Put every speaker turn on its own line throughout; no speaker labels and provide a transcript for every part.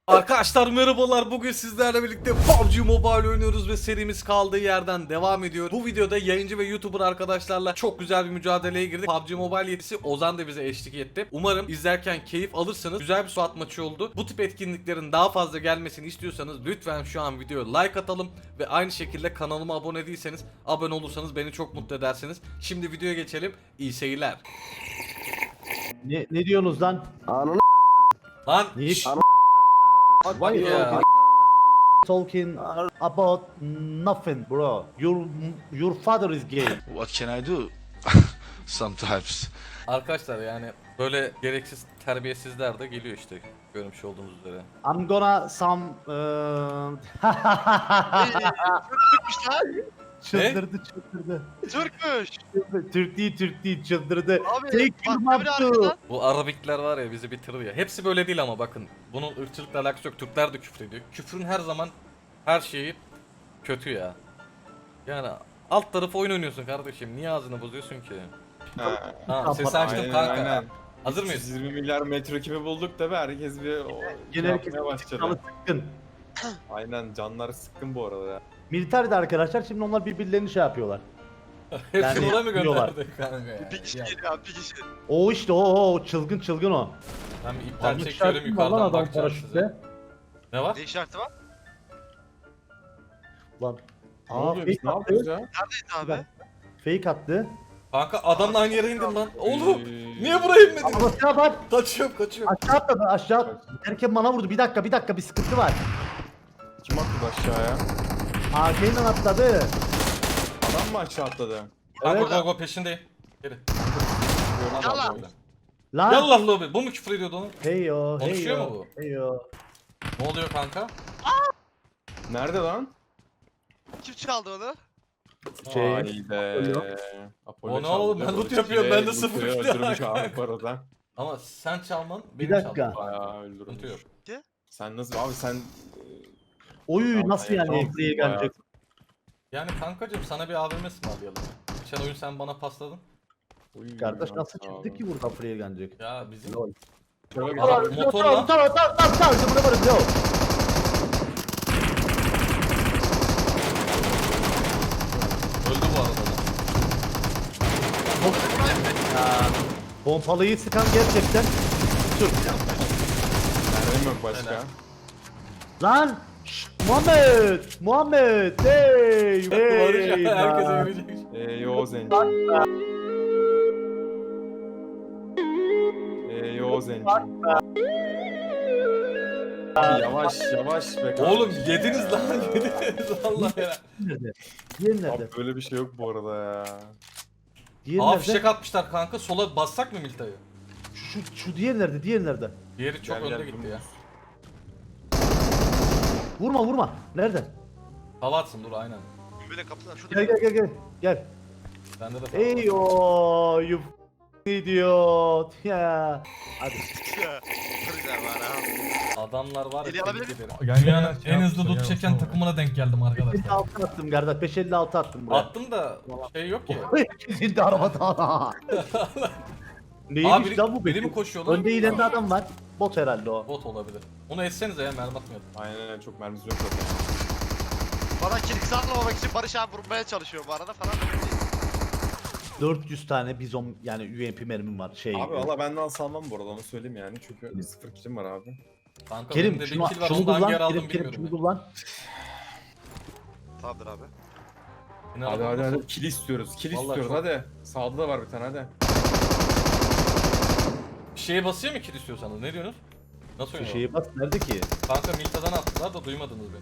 Arkadaşlar merhabalar, bugün sizlerle birlikte PUBG Mobile oynuyoruz ve serimiz kaldığı yerden devam ediyor. Bu videoda yayıncı ve YouTuber arkadaşlarla çok güzel bir mücadeleye girdik. PUBG Mobile yetkisi Ozan da bize eşlik etti. Umarım izlerken keyif alırsanız. Güzel bir SWAT maçı oldu. Bu tip etkinliklerin daha fazla gelmesini istiyorsanız lütfen şu an videoya like atalım ve aynı şekilde kanalıma abone değilseniz abone olursanız beni çok mutlu edersiniz. Şimdi videoya geçelim. İyi seyirler.
Ne diyorsunuz lan?
Lan
Niye?
şşş,
Why you
ya.
talking about nothing, bro? Your father is gay.
What can I do? Sometimes.
Arkadaşlar yani böyle gereksiz terbiyesizler de geliyor işte, görmüş olduğunuz üzere.
I'm gonna some
Türkmüş lan.
çıldırdı.
Türkmüş.
Türk değil çıldırdı.
Abi
Take him
bak
up
bir
to.
arkadan.
Bu Arabikler var ya, bizi bitirir ya. Hepsi böyle değil ama bakın. Bunun ırkçılıkla alakası yok. Türkler de küfür ediyor. Küfrün her zaman her şeyi kötü ya. Yani alt tarafı oyun oynuyorsun kardeşim. Niye ağzını bozuyorsun ki? Ha, sesi açtım
Aynen,
kanka.
aynen.
Hazır mıyız?
120 milyar metro kimi bulduk da be, herkes bir
Gene herkes
yapmaya başladı.
kanı sıkkın.
Aynen, canlar sıkkın bu arada ya.
Militer de arkadaşlar şimdi onlar birbirlerini şey yapıyorlar.
Hepsini
Yani
oraya mı
diyorlar.
gönderdi kanka ya?
Bir kişi
Ya,
geliyor abi bir kişi.
O işte o çılgın o.
ben bir iptal
Almış
çekiyorum,
şarkı var lan
yukarıdan
adam
bakacağım size.
paraşütle.
Ne var?
Ne işareti var?
Lan.
Ne oluyor, biz ne
fake
yapıyoruz
attı.
ya?
Neredeydi abi?
Fake attı.
Kanka adamla aynı yere indim lan. Oğlum
Ee,
niye buraya inmedin?
Ama silah bak.
Kaçıyorum.
Aşağı atladı aşağı. Erken bana vurdu. Bir dakika bir sıkıntı var.
Kim attı aşağıya?
AK'yle atladı.
Adam mı aşağı atladı?
Kanka
Evet.
go peşindeyim. Geri.
Yallah.
Adam böyle.
Lan.
Yallah lobi. Bu mu küfür ediyordu onu?
Heyo
Konuşuyor
heyo.
mu bu?
Heyo.
Ne oluyor kanka?
Nerede lan?
Kim çaldı onu?
Şey.
Haydi. Apollo
O ne oğlum, ben
çaldı.
loot yapıyorum, ben de
Loot'u
sıfır kill
öldürmüş
var.
abi bu arada.
Ama sen çalman
Bir
benim
dakika.
çalmam.
Bayağı
Sıkıntı
öldürmüş.
yok.
Sen nasıl abi sen...
Oy nasıl yani
Tamam,
Emre'ye
bayağı.
gelecek?
Yani kankacım sana bir AVM ısmarlayalım. Geçen oyun sen bana pasladın.
Uy,
Kardeş
ya,
nasıl
sağ ol.
çıktı ki buradan Free'ye gelecek?
Ya bizim
Lol.
Şöyle bir
Adam motorla
Tamam işte burada varız yo.
öldü bu arada.
Pompalıyı sıkan gerçekten Türk.
mermim yok başka.
Lan! Şşt, Muhammed! Hey!
Barış
Hey!
herkese
lan.
görecek.
Yo zenci. Yo zenci. Abi yavaş be kardeşim.
Oğlum yediniz lan, yediniz Allah ya.
Nerede? Diğer nerede?
Abi böyle bir şey yok bu arada ya.
Diğer
Aa,
nerede?
fişek atmışlar kanka, sola bassak mı Milta'yı?
Şu diğer nerede? Diğer nerede?
Diğeri çok
Gel,
önde
gel,
gitti ya.
Vurma. Nerede?
Hava atsın, dur aynen.
Böyle kapıdan şurada.
Gel.
Bende de falan var.
Hey yo, you idiot. Ya. Hadi.
Kırıcı var ha.
Adamlar var ya,
Eli alabilir
tebrik
miyim?
ederim. Dünyanın en hızlı loot çeken takımına denk geldim arkadaşlar.
556 attım kardeş. 556 attım buraya.
Attım da şey yok ki.
Kesildi arabada.
Abi
Neymiş lan bu?
biri mi koşuyor lan?
Önde ileride adam var. Bot herhalde o.
Bot olabilir. Onu etsenize ya, mermi atmayalım.
Aynen, çok mermisi yok zaten.
Bana kilik sarmamak için Barış abi vurmaya çalışıyor bu arada falan.
400 tane bizon yani UMP mermim var. Şey.
Abi valla benden salmam bu arada, onu söyleyeyim yani, çünkü 0 kilim var abi.
Kanka
Kerim
benim de
şunu,
bir kill var,
şunu
onu da hangi
kullan.
yer aldım
Kerim
bilmiyorum.
şunu
ya.
kullan.
Tamamdır abi.
Yine
Hadi
adam
hadi
nasıl-
hadi, kill istiyoruz, kill
Vallahi
istiyoruz
çok-
hadi. Sağda da var bir tane, hadi.
Bir şeye basıyor mu kill istiyorsanız, ne diyorsunuz? Nasıl
Şu
oynuyor?
şeye bas. Nerede ki?
Kanka Milta'dan attılar da duymadınız beni.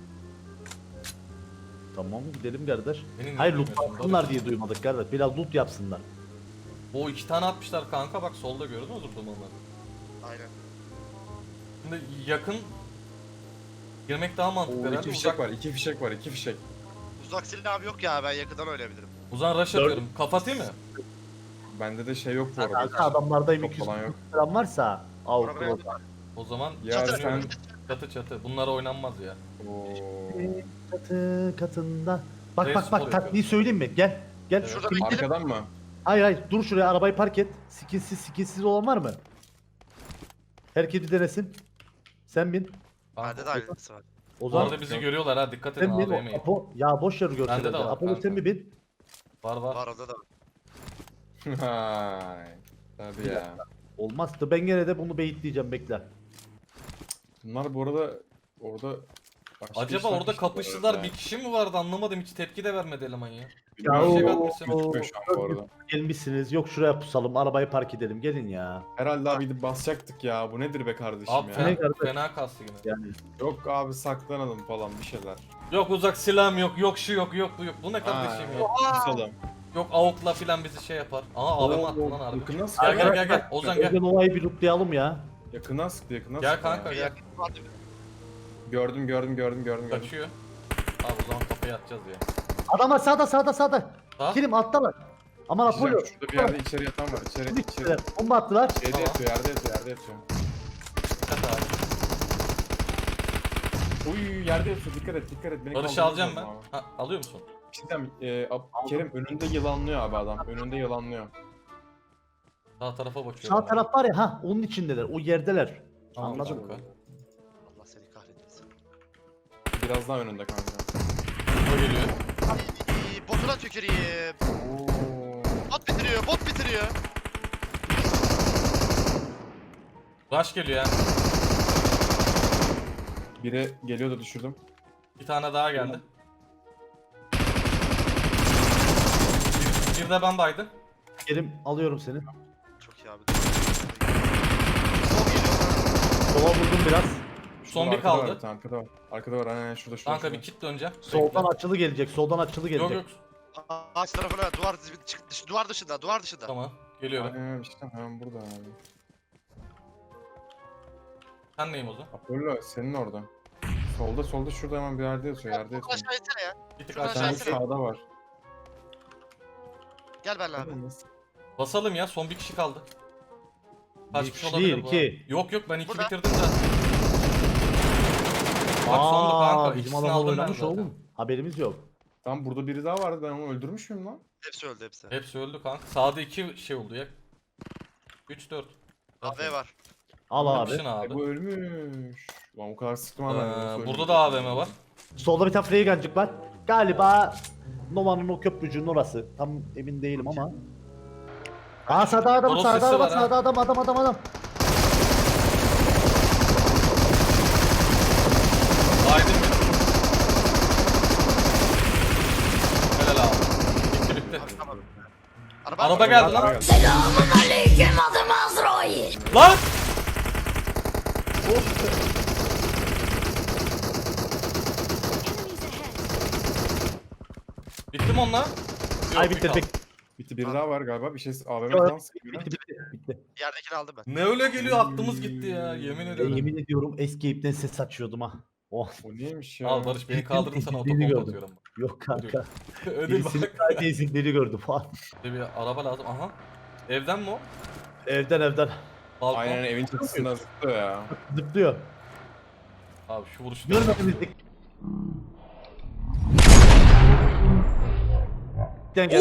Tamam gidelim kardeş.
Beni niye
Hayır loot
duymuyorsun?
yapsınlar diye duymadık kardeş. Biraz loot yapsınlar.
O 2 tane atmışlar kanka, bak solda gördün mü zıplamaları?
Aynen.
Şimdi yakın girmek daha mantıklı
Oo,
herhalde.
iki
Uzak,
fişek var, iki fişek var, iki fişek.
Uzak silah abi yok ya, ben yakından oynayabilirim.
uzan rush atıyorum. Kapatayım mı?
Bende de şey yok bu arada.
Kanka adamlarda
Çok falan yok.
M200 falan varsa.
Oraya
Avrupa.
bak.
O zaman
Ya
Çatı.
sen...
çatı. Bunlara oynanmaz ya.
Oo.
Katı katında. Bak
Reis
bak
spor
bak taktiği
yapıyoruz.
söyleyeyim mi? Gel. Gel.
Evet.
Şurada bekleyelim.
Arkadan mı?
Hayır dur şuraya arabayı park et. Skinsiz olan var mı? Herkes bir denesin. Sen bin.
Bende de aynısı var.
O
Bu
zaman
arada bizi görüyorlar ha, dikkat edin
sen bin
AVM'yi.
Apo. Ya boş yer
Bende
görseler.
de var
Apollo
kanka.
sen mi bin?
Var var.
Var onda da var.
Hay. Tabii ya.
Olmazdı. Ben gene de bunu beyitleyeceğim bekle.
Bunlar bu arada orada başka
Acaba
işler
orada
peşinde
kapıştılar,
var
bir kişi mi vardı anlamadım, hiç tepki de vermedi eleman ya.
Bilmiyorum.
şey
o-
katmışsın.
Gözükmüyor şu an bu arada.
Gelmişsiniz. Yok şuraya pusalım. Arabayı park edelim. Gelin ya.
Herhalde abi gidip basacaktık ya. Bu nedir be kardeşim
Abi
ya?
Ne
fena,
kardeş?
fena kastı yine.
Yani
Yok abi saklanalım falan bir şeyler.
Yok uzak silahım yok, yok şu yok, yok bu yok. Bu ne kardeşim ya?
Kusalım.
Yok avukla filan bizi şey yapar. Aa AVM attı lan harbi.
Yakından
Gel
sıktı.
gel gel. Ozan gel.
Bugün olayı bir lootlayalım ya.
Yakından sıktı yakından
Gel
sıktı.
kanka,
ya.
gel.
Yakın vardı bir.
Gördüm.
Kaçıyor. Abi o zaman kafaya atacağız ya.
Adama sağda.
Ha?
Kirim alttalar. Aman Apollo.
Şurada bir yerde içeri yatan var. İçeri.
İçeri. Bomba attılar.
Şeyde
Tamam.
yatıyor, yerde yatıyor.
Dikkat abi.
Uy yerde yatıyor. Dikkat et. Beni
Barış'ı
kaldırmaz
alacağım ben.
lazım abi.
Ha, alıyor musun?
Bir şey diyeyim, Kerim önünde yılanlıyor abi adam. Önünde yılanlıyor.
Sağ tarafa bakıyorum.
Sağ taraf var ya ha onun içindeler. O yerdeler.
Tamam,
Anladım.
kanka.
Allah seni kahretmesin.
Biraz daha önünde kanka.
O geliyor.
Botuna tüküreyim.
Oo.
Bot bitiriyor.
Rush geliyor ya.
Biri geliyor da düşürdüm.
Bir tane daha geldi. Bir de ben baydım.
Kerim alıyorum seni.
Çok iyi abi. Sol geliyor.
Sola vurdum biraz.
Son bir
Arkada var,
kaldı.
bir tane, arkada var. Aynen şurada.
Kanka bir kit döneceğim.
Soldan
Bekle.
açılı gelecek. Soldan açılı
Yok
gelecek.
yok.
Ağaç tarafına duvar dışında.
Tamam. Geliyorum.
Aynen işte hemen burada abi.
Sen neyim o zaman?
Apollo senin orada. Solda şurada hemen bir yerde yatıyor.
Aşağı etsene ya.
Bir tık
Şuradan
aşağı.
Sen
aşağı-
sağda var.
Gel benimle abi.
Basalım ya, son bir kişi kaldı. Kaç
Bir
kişi
kişi
olabilir
değil,
bu?
iki.
Yok yok, ben iki
Burada.
bitirdim zaten. Bak sondu kanka.
Bizim
İkisini
adam
aldım ben
oynamış
zaten.
oğlum. Haberimiz yok.
Tam burada biri daha vardı. Ben onu öldürmüş müyüm lan?
Hepsi öldü hepsi.
Hepsi öldü kanka. Sağda iki şey oldu ya. 3-4.
AV var.
Al abi.
Yapışın abi.
Bu ölmüş. Lan o kadar sıktım abi. ben, nasıl
Burada
ölmüş?
da AVM var.
Solda bir tane Freygancık var. Galiba Nova'nın o köprücüğün orası. Tam emin değilim ama. Aa sağda adam,
Toros
sağda
sesi
adam,
var ha.
sağda adam.
Aydın mı? Helal abi. Bitti.
Tamam.
Araba geldi lan.
Aleyküm adım Azrail.
Lan! Bitti mi onlar? Yok,
Ay
bir
bitti
kaldı.
bitti.
Bitti biri daha var galiba. Bir şey AVM
Yok,
falan sıkıyor.
Bitti.
Yerdekini aldım ben.
Ne öyle geliyor, aklımız gitti ya, yemin ediyorum.
Yemin ediyorum Escape'den ses açıyordum ha. Oh.
O neymiş ya?
Al Barış, beni kaldırın sana
Birini
otobomba
gördüm.
atıyorum.
Yok kanka.
Ödül
Birisinin
bak.
sadece izinleri gördüm falan.
Bir araba lazım, aha. Evden mi o?
Evden.
Balkon.
Aynen evin çatısında zıplıyor ya.
Zıplıyor.
Abi şu vuruşu.
Görmediniz. Gel.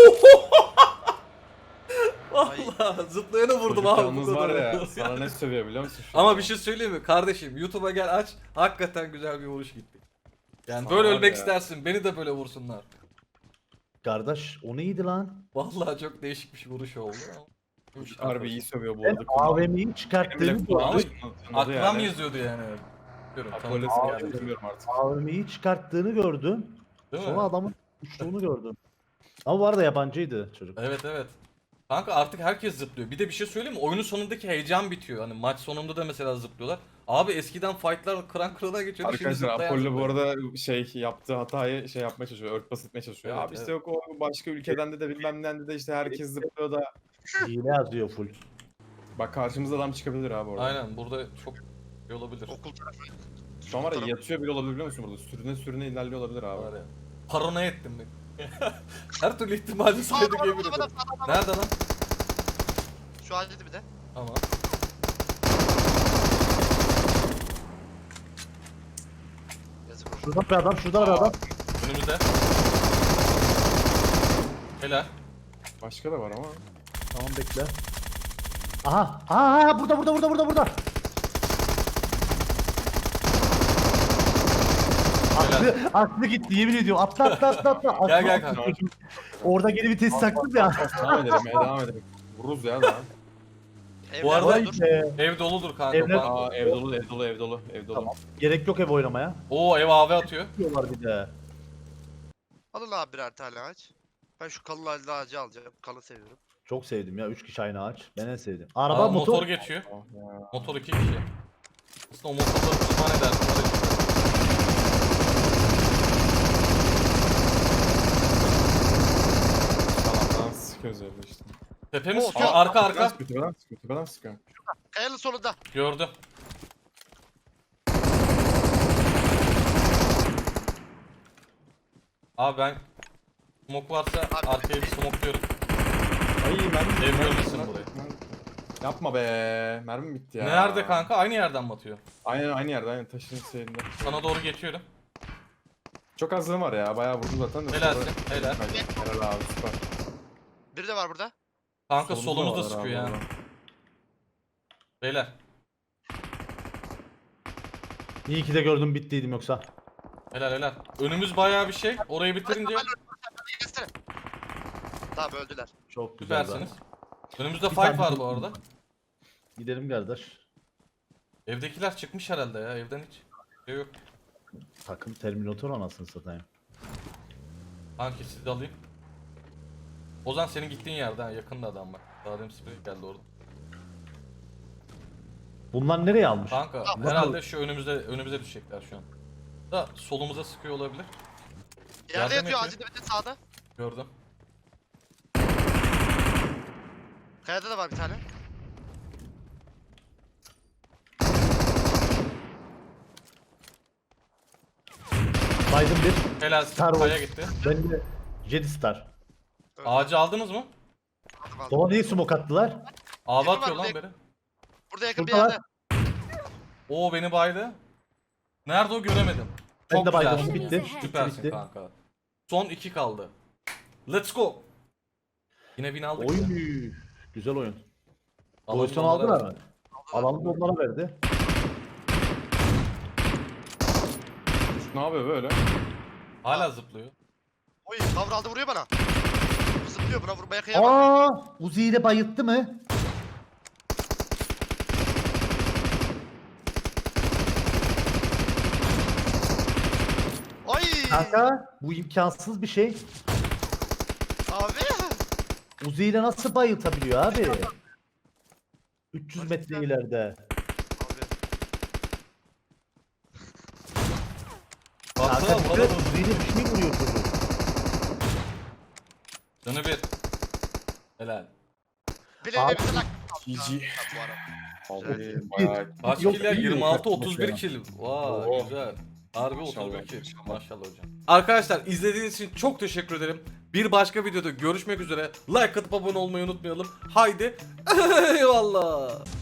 Valla zıplayana vurdum
Çocuk
abi.
yalnız
bu
var
kadar.
ya. Sana ne sövüyor biliyor musun? şu
Ama
an?
bir şey söyleyeyim mi kardeşim, YouTube'a gel aç, hakikaten güzel bir vuruş gitti. Yani
Sana
böyle
var
ölmek
ya.
istersin, beni de böyle vursunlar.
Kardeş o neydi lan?
Vallahi çok değişik bir vuruş oldu ama.
Harbi iyi sövüyor bu
Ben
arada.
AVM'yi
Benim
çıkarttığını
bile
gördüm.
kulağıma çınladı
Aklıma
yani.
yazıyordu yani. Diyorum,
Apollo
tanıdık
seni
geldi.
bilmiyorum artık.
AVM'yi çıkarttığını gördüm.
Değil
Sonra
mi?
adamın uçtuğunu gördüm. Ama bu arada yabancıydı çocuk.
Evet evet. Kanka artık herkes zıplıyor. Bir de bir şey söyleyeyim mi? Oyunun sonundaki heyecan bitiyor. Hani maç sonunda da mesela zıplıyorlar. Abi eskiden fightlar kıran kırana geçiyordu. Şimdi
Arkadaşlar
zıplayan
Apollo bu
zıplıyor.
arada yaptığı hatayı yapmaya çalışıyor, örtbas etmeye çalışıyor.
Evet,
Abi işte
evet.
yok o başka ülkeden de bilmem neden de işte herkes zıplıyor da.
Hile yazıyor full.
Bak karşımıza adam çıkabilir abi orada.
Aynen, burada çok şey olabilir.
Okul tarafı.
Şu an var ya yatıyor bile olabilir biliyor musun burada? Sürüne ilerliyor olabilir abi.
Var ya. Paranoya ettim ben. Her türlü ihtimali saydık
Adam,
yemin
adam,
ederim.
adam.
Nerede lan?
Şu halde bir de.
Tamam.
Yazık olsun.
Şurada bir adam, şurada bir adam.
Önümüzde. Helal.
Başka da var ama.
Tamam bekle. Aha, burada. Aklı gitti yemin ediyorum. Atla.
Gel, gel
Aklı-
kanka.
Orada geri vites taktım ya.
Devam edelim devam edelim. Vururuz ya daha.
Bu arada-
Vay
dur.
be.
Ev doludur kanka.
Evler-
Bak.
Aa ev dolu ev dolu ev dolu ev dolu.
Tamam. Gerek yok ev oynamaya.
Oo ev AV atıyor.
Diyorlar bir de.
Alın abi birer tane ağaç. Ben şu kalın ağacı alacağım. Kalın seviyorum.
Çok sevdim ya 3 kişi aynı ağaç. Ben en sevdim. Araba
Aa,
motor.
motor geçiyor.
Oh ya.
Motor 2 kişi. Aslında o motorları pişman edersin.
Tamam sıkıyoruz evde işte.
Tepemiz
Oo,
sıkıyor.
aa,
Arka
Tepeden
arka.
sıkıyor tepeden sıkıyor tepeden sıkıyor.
Kayanın solunda.
Gördüm. Abi ben smoke varsa
Abi.
arkaya bir smokluyorum.
Ay mermi
Ev
mermi-
görmesin
mermi-
burayı.
Yapma be mermi bitti ya.
Nerede kanka? Aynı yerden mi atıyor?
Aynı yerde aynı taşın şeyinde.
Sana doğru geçiyorum.
Çok azlığım var ya bayağı vurdum zaten de.
Helalsin,
sonra-
helal.
Helal abi süper.
Biri de var burada.
Kanka
Solumuzda
solumuzda
var
sıkıyor
abi
ya.
orada.
Beyler.
İyi ki de gördüm bittiydim yoksa.
Helal. Önümüz bayağı bir şey. Orayı bitirince
Geçsene. Tamam öldüler.
Çok güzel.
süpersiniz. Önümüzde
Bir
fight
tane-
var bu arada.
Gidelim kardeş.
Evdekiler çıkmış herhalde ya. Evden hiç şey yok.
Takım Terminator anasını satayım.
Kanki sizi de alayım. Ozan senin gittiğin yerde ha, yakında adam bak. Daha demin sprey geldi orada.
Bunlar nereye almış?
Kanka
Tamam,
herhalde şu önümüze düşecekler şu an. Da solumuza sıkıyor olabilir.
Yerde
Yardım
yatıyor
et
ağacın dibinde sağda.
Gördüm.
Kayada da var bir tane.
Biden bir.
Helal
Star Wars.
kaya gitti.
Ben de Jedi Star.
Öldü.
Ağacı aldınız mı?
Aldım, aldım.
Sola niye smoke attılar?
Ağabey
Yakın
atıyor
var,
lan
burada
beni.
Burada yakın bir
Şurada
yerde.
Oo beni baydı. Nerede o göremedim.
Ben
Çok
de Biden'ım
güzel.
bitti.
Süpersin
Bitti.
kanka. Son 2 kaldı. Let's go. Yine win aldık.
Oy.
ya.
Güzel oyun.
Alalım
Pozisyon
onları.
aldılar mı? Alalım da onlara verdi.
Ne yapıyor böyle?
Hala zıplıyor.
Oy kavra aldı vuruyor bana. Bu zıplıyor buna vurmaya kıyamam.
Aa, Uzi ile bayılttı mı?
Oy.
Kanka bu imkansız bir şey.
Abi.
Uzi ile nasıl bayıltabiliyor abi? 300 metre ileride.
Abi.
Baksana
Kanka
burada
Uzi ile bir şey vuruyor çocuk.
canı bir. Helal.
Bileğine
Abi.
bir tane
GG.
bu ara.
Vallahi bayağı.
Kaç
Yok,
kill ya?
iyi
26
yok.
31 kill. Vay
Oo.
güzel. Harbi
Maşallah,
31 kill.
maşallah.
Maşallah hocam. Arkadaşlar izlediğiniz için çok teşekkür ederim. Bir başka videoda görüşmek üzere. Like atıp abone olmayı unutmayalım. Haydi. Eyvallah.